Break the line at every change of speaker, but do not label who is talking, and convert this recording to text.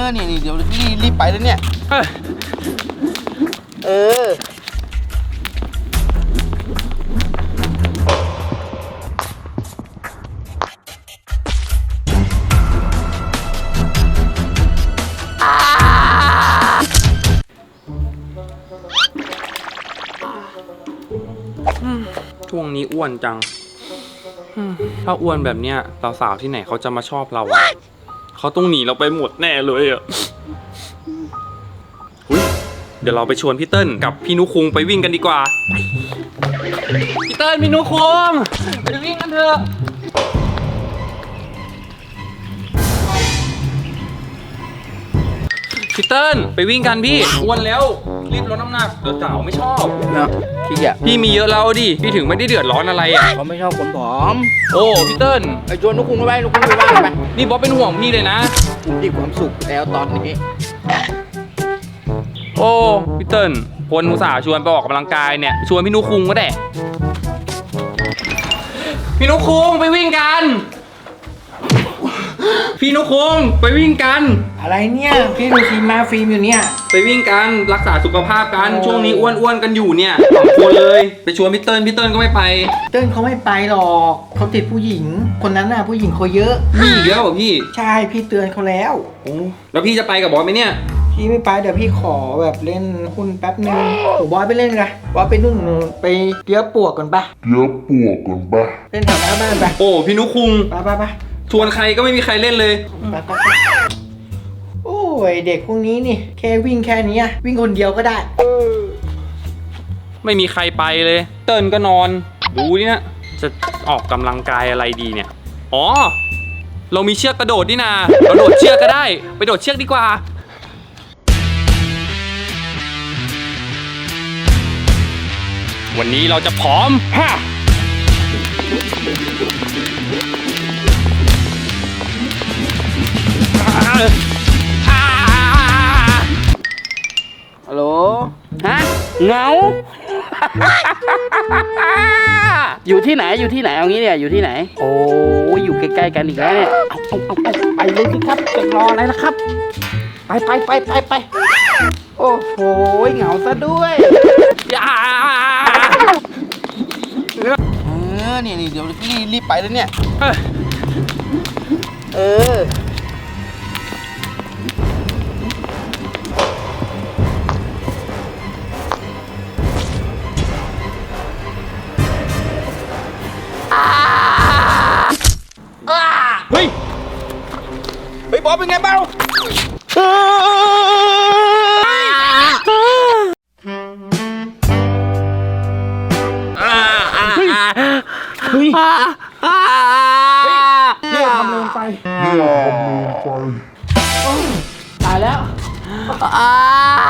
นี่เดี๋ยวรีบไปแล้วเนี่ย
ช่วงนี้อ้วนจังถ้าอ้วนแบบเนี้ยสาวๆที่ไหนเขาจะมาชอบเราอะเขาต้องหนีเราไปหมดแน่เลยอะเดี๋ยวเราไปชวนพี่เติ้ลกับพี่นุคุงไปวิ่งกันดีกว่าพี่เติ้ลพี่นุคุงไปวิ่งกันเถอะพี่เติ้ลไปวิ่งกันพี่อ้วนแล้วรีบลดน้ำหนักเดี๋ยวสาวไม่ชอบ
นะขี้เกียจ
พี่มีเยอะแล้วดิพี่ถึงไม่ได้เดือดร้อนอะไรอ่ะ
เขาไม่ชอบคนผอม
โอ้พี่เติ้ล
ไอ้ชวนนุคุงไปนุคุงไปบ้านไป
นี่บ๊อบเป็นห่วงพี่เลยนะ
ผมมีความสุขแล้วตอนนี้
โอ้พี่เติ้ลคนอุตส่าห์ชวนไปออกกำลังกายเนี่ยชวนพี่นุคุงก็ได้พี่นุคุงไปวิ่งกันพี่นุคุงไปวิ่งกัน
อะไรเนี่ยพี่ดูฟิล์มมาฟิล์มอยู่เนี่ย
ไปวิ่งกันรักษาสุขภาพกันช่วงนี้อ้วนๆกันอยู่เนี่ยสองคนเลยไปชวนพี่เติ้ลก็ไม่ไป
เติ้ลเขาไม่ไปหรอกเขาติดผู้หญิงคนนั้นน่ะผู้หญิงเขาเยอะ
มีเยอะเหรอพี่
ใช่พี่เตือนเขาแล้ว
โอ้แล้วพี่จะไปกับบอสไหมเนี่ย
พี่ไม่ไปเดี๋ยวพี่ขอแบบเล่นหุ้นแป๊บนึงบอสไปเล่นกันบอสไปนู่นไปเลี้ยปวกกันปะเล่นแถวหน้าบ้านไป
โอ้พี่นุคุง
ไป
ชวนใครก็ไม่มีใครเล่นเลย
ไปโอ้ยเด็กพวกนี้นี่แค่วิ่งแค่นี้วิ่งคนเดียวก็ได้
ไม่มีใครไปเลยเติ้ลก็นอนดูนี่นะจะออกกำลังกายอะไรดีเนี่ยอ๋อเรามีเชือกกระโดดนี่นาเราโดดเชือกก็ได้ไปโดดเชือกดีกว่าวันนี้เราจะผอมฮ่า
ฮัลโหล
ฮะเหงา อยู่ที่ไหนเอางี้เนี่ยอยู่ที่ไหนโอ้ยอยู่ใกล้ๆกันอีกแล้วเนี่ยเอาไปเลยสิครับจะรออะไรล่ะครับไปโอ้โหเหงาซะด้วย
นี่เดี๋ยวรีบไปแล้วเนี่ย
เฮ้ยบอสเป็นไงบ้างเฮ้ยเนี่ยทำลงไป
ตายแล้ว